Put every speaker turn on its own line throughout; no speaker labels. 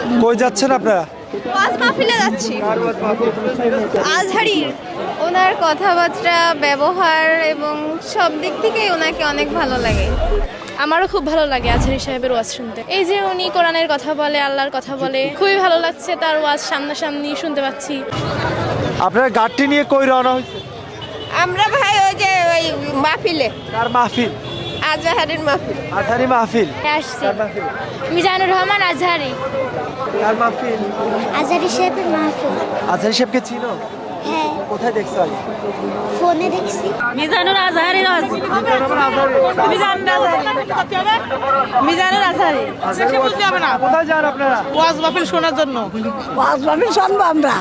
কই যাচ্ছেন আপনারা?
ওয়াজ মাহফিলে যাচ্ছি। আজহারি ওনার কথাবার্তা, ব্যবহার এবং সব দিক থেকেই ওনাকে অনেক ভালো লাগে।
আমারও খুব ভালো লাগে আজহারি সাহেবের ওয়াজ শুনতে। এই যে উনি কোরআনের কথা বলে, আল্লাহর কথা বলে, খুবই ভালো লাগছে তার ওয়াজ সামনাসামনি শুনতে পাচ্ছি।
আপনারা গাড়িটি নিয়ে কই রওনা হয়েছে?
আমরা ভাই ওই যে ওই মাহফিলে,
কার মাহফিল?
আজহারির মাহফিল।
আজহারি মাহফিল।
আসছি
কার মাহফিল?
মিজানুর রহমান আজহারি।
কার মাহফিল?
আজহারি সাহেবের মাহফিল।
আজহারি সাহেবকে চিনো?
হ্যাঁ,
কোথায় দেখছো আজ?
ফোনে দেখছি।
মিজানুর আজহারি মিজানুর আজহারি
কোথায় যান আপনারা?
ওয়াজ মাহফিল শোনার জন্য।
ওয়াজ মাহফিল শুনবো আমরা।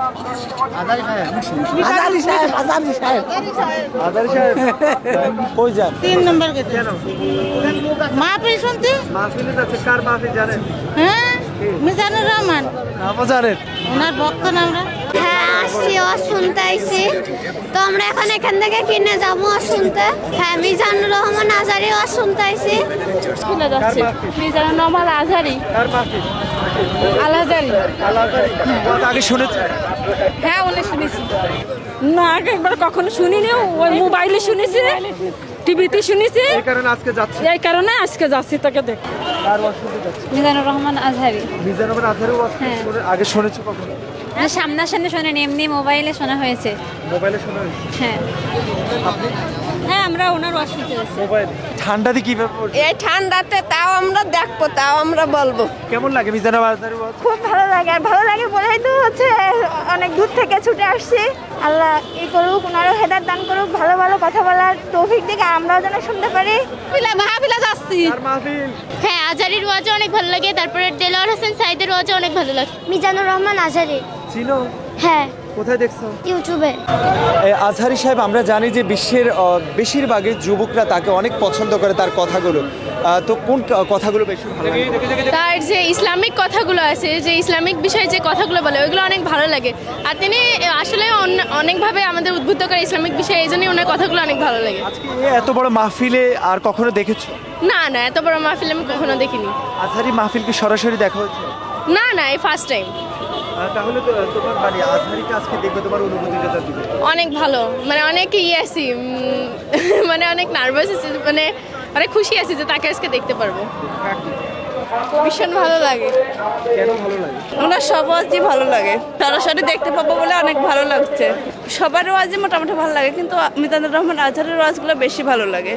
আজারি সাহেব।
আজহারি সাহেব কই যান?
3 নম্বর গেট।
কেন?
মাহফিল শুনতে।
মাহফিলে যাচ্ছে। কার মাহফিল জানেন?
হ্যাঁ, মিজানুর রহমান
নামও জানেন?
ওনার ভক্ত না আমরা।
হ্যাঁ, আসছি, ওয়াজ শুনতে আইছি। তো আমরা এখন এখান থেকে কিনে যাবো ওয়াজ শুনতে। হ্যাঁ, মিজানুর রহমান আজহারি ওয়াজ শুনতে আইছি।
শুনে যাচ্ছে মিজানুর রহমান আজহারি।
কার মাহফিল?
আজহারি।
ওয়াজ আগে শুনেছেন?
হ্যাঁ, উনি শুনেছি। না, আগে একবার কখনো শুনিনি, ওই মোবাইলে শুনেছি, টিভিতে শুনেছি।
এই কারণে আজকে যাচ্ছে।
এই কারণে আজকে যাচ্ছি তোকে দেখ।
কার ওয়াজ শুনতে যাচ্ছে?
মিজানুর রহমান আজহারি।
মিজানুর রহমান আজহারি ওয়াজ আগে শুনেছো কখনো?
সামনাসামনি শোনেনি, এমনি মোবাইলে শোনা হয়েছে।
মোবাইলে শোনা হয়েছে?
হ্যাঁ
আপনি?
হ্যাঁ, আমরা ওনার ওয়াজ শুনতে যাচ্ছি।
মোবাইলে। ঠান্ডাতে কিভাবে পড়ছে?
এই ঠান্ডাতে তাও আমরা দেখবো, তাও আমরা বলবো।
কেমন লাগে মিজানুর আজহারি ওয়াজ?
খুব ভালো লাগে, আর ভালো লাগে বলেই তো হচ্ছে অনেক দূর থেকে ছুটে আসছি। আল্লাহ ই করুক, ওনারও হেদায়েত দান করুক, ভালো ভালো কথা বলার তৌফিক দিকে আমরাও যেন শুনতে পারি।
মাহফিলে যাচ্ছি।
কার মাহফিল?
হ্যাঁ, আজহারির ওয়াজও অনেক ভালো লাগে, তারপরে দেলোয়ার হোসেন সাইদের ওয়াজও অনেক ভালো লাগে।
মিজানুর রহমান আজহারি।
চিনো?
হ্যাঁ,
কোথায় দেখছো?
ইউটিউবে।
আজহারি সাহেব, আমরা জানি যে বিশ্বের বেশিরভাগই যুবকরা তাকে অনেক পছন্দ করে, তার কথাগুলো। তো কোন কথাগুলো বেশি ভালো লাগে?
তার যে ইসলামিক কথাগুলো আছে, যে ইসলামিক বিষয়ে যে কথাগুলো বলে, ওইগুলো অনেক ভালো লাগে। আর তিনি আসলে অনেকভাবে আমাদের উদ্বুদ্ধ করে ইসলামিক বিষয়ে, এই জন্যই ওনার কথাগুলো অনেক ভালো লাগে।
আজকে এত বড় মাহফিলে আর কখনো দেখেছো?
না না, এত বড় মাহফিল আমি কখনো দেখিনি।
আজহারি মাহফিল কি সরাসরি দেখা হচ্ছে?
না না, এই ফার্স্ট টাইম।
তাহলে তো তোমার মানে আজহারিকে আজকে দেখবে, তোমার অনুভূতিটা যা দিবে।
অনেক ভালো, মানে অনেক আছি, মানে অনেক নার্ভাস আছি, মানে অনেক খুশি আছি যে তাকে আজকে দেখতে পারবো। ভীষণ ভালো লাগে।
কেন ভালো লাগে?
ওনার সব ওয়াজই ভালো লাগে, সরাসরি দেখতে পাবো বলে অনেক ভালো লাগছে। সবার ওয়াজই মোটামুটি ভালো লাগে, কিন্তু মিজানুর রহমান আজহারের ওয়াজগুলো বেশি ভালো লাগে।